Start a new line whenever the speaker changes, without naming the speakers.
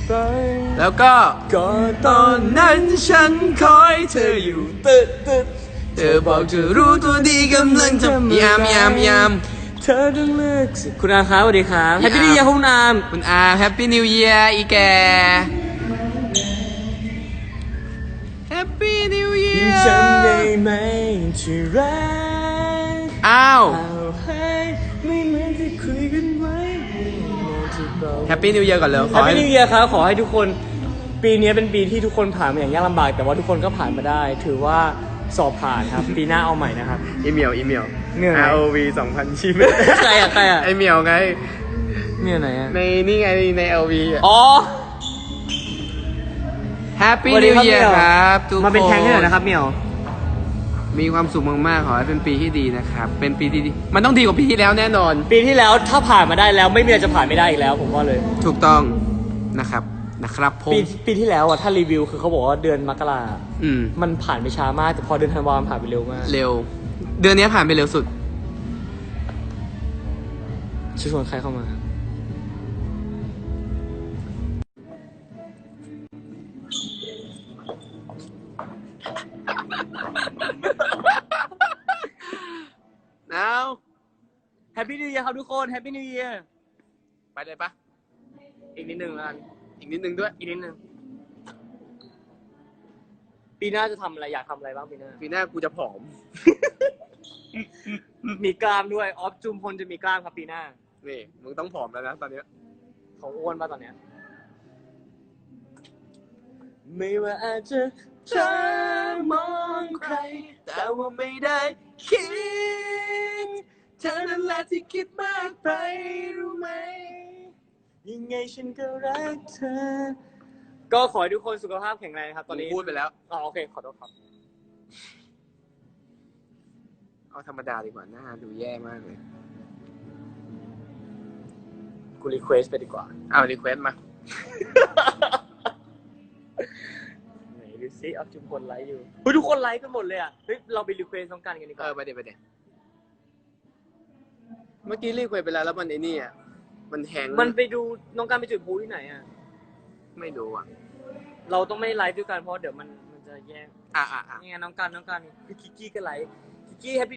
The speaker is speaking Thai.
ไป
แล้วก็
ก็ตอนนั้นฉันคอยเธออยู่ตึ๊ด
เธอบอกเธอรู้ตัวดีกำลังทำยาม
เธอต้องเลือกสิคุณอาครับสวัสดีครับแฮปปี้นิวเยียร์คุณอาม
คุณอาแฮปปี้นิวเยียร์อีแกแฮปปี้นิวเยียร์
จำได้ไหมที่รัก
อ้าว
เอาให้ไม่เหมือนที่คุยกันไว้
แฮปปี้นิวเยียร์ก่อนเลย
แฮปปี้นิวเยียร์ครับขอให้ทุกคนปีนี้เป็นปีที่ทุกคนผ่านมาอย่างยากลำบากแต่ว่าทุกคนก็ผ่านมาได้ถือว่าสอบผ่านครับ ปีหน้าเอาใหม่นะครับ
อีเมล
เหนื่อย
ROV 2000ชีวิต
ใครอะ
ไอเมลไง
เนี่ยไหนอะ
ในนี่ไงใน LV อ่ะ
อ๋อ
แฮปปี้
สวัสดี
นิว
ครับ
เยียร์
เหมียว
ครับทุกคน
มาเป็นแทงให้หน่อยนะครับเหมียว
มีความสุขมากๆขอให้เป็นปีที่ดีนะครับเป็นปีที่ดีมันต้องดีกว่าปีที่แล้วแน่นอน
ปีที่แล้วถ้าผ่านมาได้แล้วไม่มีอะไรจะผ่านไม่ได้อีกแล้วผมว่าเลย
ถูกต้องนะครับผม
ปีที่แล้วอะถ้ารีวิวคือเขาบอกว่าเดือนมกรา
อืม
มันผ่านไปช้ามากแต่พอเดือนธันวาคมผ่านไปเร็วมาก
เร็ว เดือนนี้ผ่านไปเร็วสุด
ชวนใครเข้ามา
แล้ว
แฮปปี้นิวเยียร์ครับทุกคนแฮปปี้นิวเยียร์
ไปเลยปะ
อีกนิดนึงแล้วกัน
อีกนิดนึงด้วย
อีกนิดนึงปีหน้าจะทำอะไรอยากทำอะไรบ้างปีหน้า
ปีหน้ากูจะผอม
มีกล้ามด้วยออฟจุมพลจะมีกล้ามครับปีหน้า
นี่มึงต้องผอมแล้วนะตอนเนี้ย
เขาอ้วนป่ะตอนเนี้ยไม่ว่าอาจจะเธอมองใครแต่ว่าไม่ได้คิดเธอนั่นแหละที่คิดมากไปรู้ไหมยังไงฉันก็รักเธอก็ขอให้ทุกคนสุขภาพแข็งแรงครับตอนนี้
พูดไปแล้ว
อ๋อโอเคขอโทษครับ
เอาธรรมดาดีกว่าหน้าดูแย่มากเลย
กูรีเควสไปดีกว่า
เอารีเควสมา
ไหนดูซิเอาทุกคนไลค์อยู่เฮ้ยทุกคนไลค์กันหมดเลยอ่ะเฮ้ยเราไปรีเควสต้องการกันดีกว่า
ไปเดี๋ยวเมื่อกี้รีเควสไปแล้วมันไอ้นี่อ่ะมันแหง
มันไปดูน้องการไปจุดพลุที่ไหนอ่ะ
ไม่รู้อ่ะ
เราต้องไม่ไลฟ์ด้วยกันเพราะเดี๋ยวมันจะแย่ง
อ่ะ
นี่ไงน้องการพี่คิกกี้ก็ไลฟ์คิกกี้แฮปปี้